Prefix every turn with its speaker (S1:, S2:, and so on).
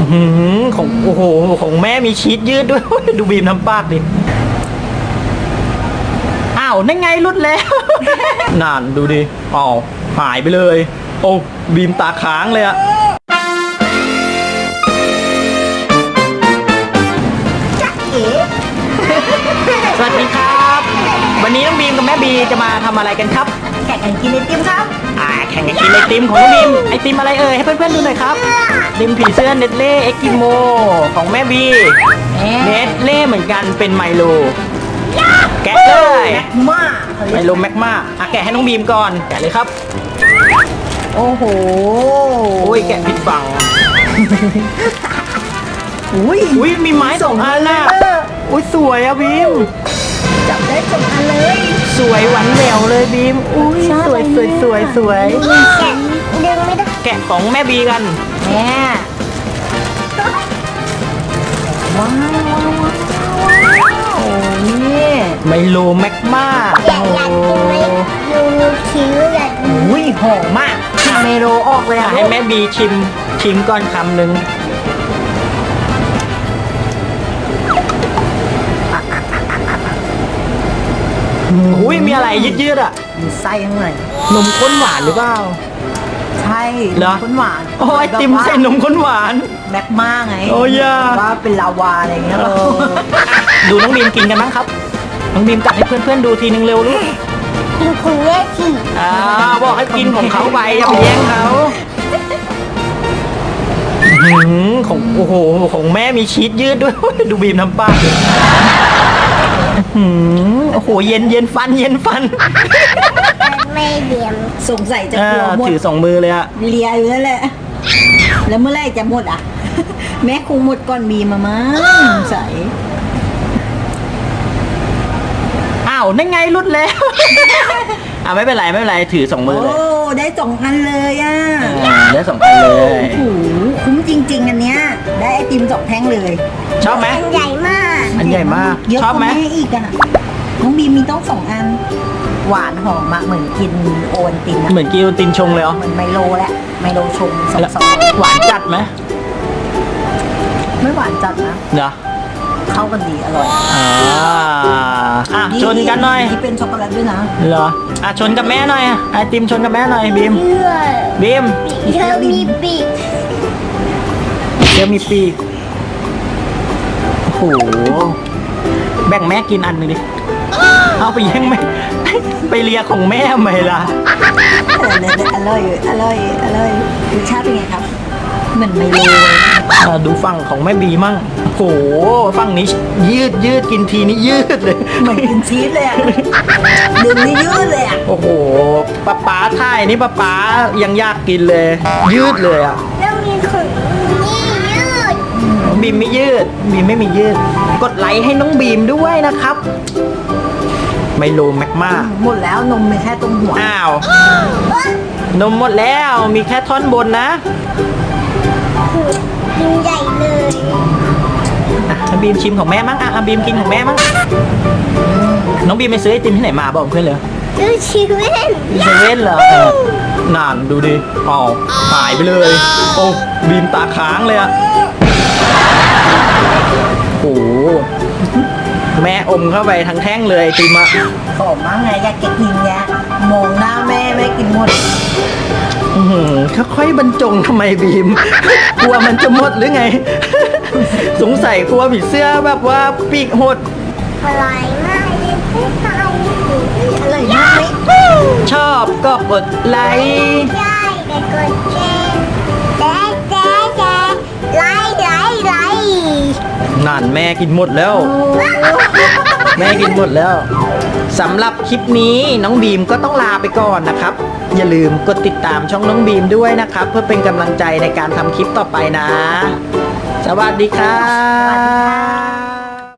S1: ของโอ้โหของแม่มีชีสยืดด้วย ดูบีมทำปากดิอ้าวนั่นไงรุดแล้ว นั่นดูดิอ้าวหายไปเลยโอ้บีมตาค้างเลยอะ
S2: จ๊ะเอ๋
S1: สวัสดีครับ วันนี้น้องบีมกับแม่บีจะมาทำอะไรกันครับ
S2: แข่งกันกินไอติมครับ
S1: แข่งกันกินไอติมของน้องบีมไอติมอะไรเอ่ยให้เพื่อนๆดูหน่อยครับไอติมผีเสื้อเนตเล่เอ็กกิโมของแม่บีเนตเล่เหมือนกันเป็นไมโลแกะเลย
S2: แม็กมา
S1: ไมโลแมกมาแกะให้น้องบีมก่อนแกะเลยครับ
S2: โอ้โห
S1: โอ้ยแกะผิดฝั่ง
S2: อุ้ย
S1: มีไม้สองอันน่ะอุ้ยสวยอะบีม
S2: จับได้สองอันเลย
S1: สวยหวานแหววเลยบีมอุ้ยสวย
S2: แกะดึงไม่ได้
S1: แกะของแม่บีกัน
S2: แม่ว้าวโอ้นี่
S1: ไมโลแมกมา
S3: อยากกินไหมยูนิคิวอยากกิน
S2: อุ้ยหอมมากกินเมโลออกเลยอ่ะ
S1: ให้แม่บีชิมก่อนคำหนึ่งอุ้ยมีอะไรยืดๆอ่ะ
S2: มีไส้ข้างใน
S1: นมข้นหวานหรือเปล่า
S2: ใช่
S1: เหรอ
S2: ข้นหวาน
S1: โอ้ยไอติมใส่นมข้นหวาน
S2: แม็กมาไง
S1: โอ้ยา
S2: ว่าเป็นลาวาอะไรอย่างเงี้ย
S1: ดูน้องบีมกินกันบ้างครับ น้องบีมกัดให้เพื่อนๆดูทีนึงเร็วลูก
S3: กินคุณแม่ที่
S1: บอกให้กินของเขาไปอย่าไปแย่งเขาของโอ้โหของแม่มีชีสยืดด้วย ดูบีมทำปากดิโอ้โหเย็นฟัน
S3: ไม่เดียม
S2: สงสัยจะกลัวหมด
S1: ถือสองมือเลยอะ
S2: เลียอยู่นั่นแหละ แล้วเมื่อไหรจะหมดอ่ะ แม่คงหมดก่อนมีมามั้งใส่
S1: อ้าวนั่นไงรุดแล้ว ไม่เป็นไรถือสองมือ
S2: โอ้
S1: เลย
S2: ได้สองอันเลยอ่ะ
S1: ได้สองอันเลย
S2: โอ้โหคุ้มจริง ๆ อันเนี้ย ได้ไอติม2 แท่งเลย
S1: ชอบไหม
S3: อันใหญ่มาก
S1: อันใหญ่มาก
S2: เยอะ
S1: ชอบไหม
S2: กว่าแม่อีกอ่ะน้องบีมมีต้อง2 อัน หวานหอมมากเหมือนกินโอนตินอะ
S1: เหมือนกินตินชงเลยเหรอ
S2: เหมือนไมโลแหละไมโลชงสอง
S1: แล้ว
S2: ซอง
S1: หวานจัดไหม
S2: ไม่หวานจัดนะ
S1: เดี๋ยว
S2: เข้ากันดีอร่อย
S1: ชนกันหน่อย
S2: ที่เป็นช็อกโกแลตด้วยนะ
S1: เหรอชนกับแม่หน่อยไอติมชนกับแม่หน่อยบีม
S3: เชื่อ
S1: บีม
S3: เธอมีปีก
S1: เดี๋ยวมีปีกโอ้โหแบ่งแม่กินอันหนึงดิเอาไปแย่งแม่ ไปเลียของแม่ไหมล่ะ
S2: อร่อยรสชาติเป็นไงครับ เหมือนไมโล
S1: ดูฝั่งของแม่บีมั่งโอ้โหฝั่งนี้ยืดกินทีนี้ยืดเลย
S2: เหมือนกินชีสเลยอ่ะดึงนี่ยืดเลยอ่ะ
S1: โอ้โหป๊าท่ายนี่ป๊ายังอยากกินเลย ยืดเลยอ่ะ
S3: แล้วมีขนนี่ยืด
S1: บีมไม่ยืดบีมไม่มียืด กดไลค์ให้น้องบีมด้วยนะครับ ไมโลแมกมา
S2: หมดแล้วนมมีแค่ตรงหัว
S1: อ้าว นมหมดแล้วมีแค่ท่อนบนนะ
S3: กินใหญ่เลย
S1: บีมชิมของแม่มั้งบีมกินของแม่มั้งน้องบีมไปซื้อไอติมที่ไหนมาบอกเพื่อนเลย
S3: ดูชีวิต
S1: เซเว่นเหรอนานดูดิหายไปเลย โอ้บีมตาค้างเลยอะโอ้แม่อมเข้าไปทั้งแท่งเลยไอติมอะ
S2: ขอมากไงอยากจะกินแยะมองหน้าแม่แม่กินหมด
S1: ค่อยๆบรรจงทำไมบีม กลัวมันจะหมดหรือไง สงสัยกลัวผีเสื้อแบบว่าปีกหด
S3: อร่อยมากเลยพี่ตาย
S2: อร่อยมากไหม
S1: ชอบก็กดไลค์
S3: ใช่แต่กดแชร์ไลค์
S1: นั่นแม่กินหมดแล้ว แม่กินหมดแล้วสำหรับคลิปนี้น้องบีมก็ต้องลาไปก่อนนะครับ อย่าลืมกดติดตามช่องน้องบีมด้วยนะครับ เพื่อเป็นกำลังใจในการทำคลิปต่อไปนะ สวัสดีครับ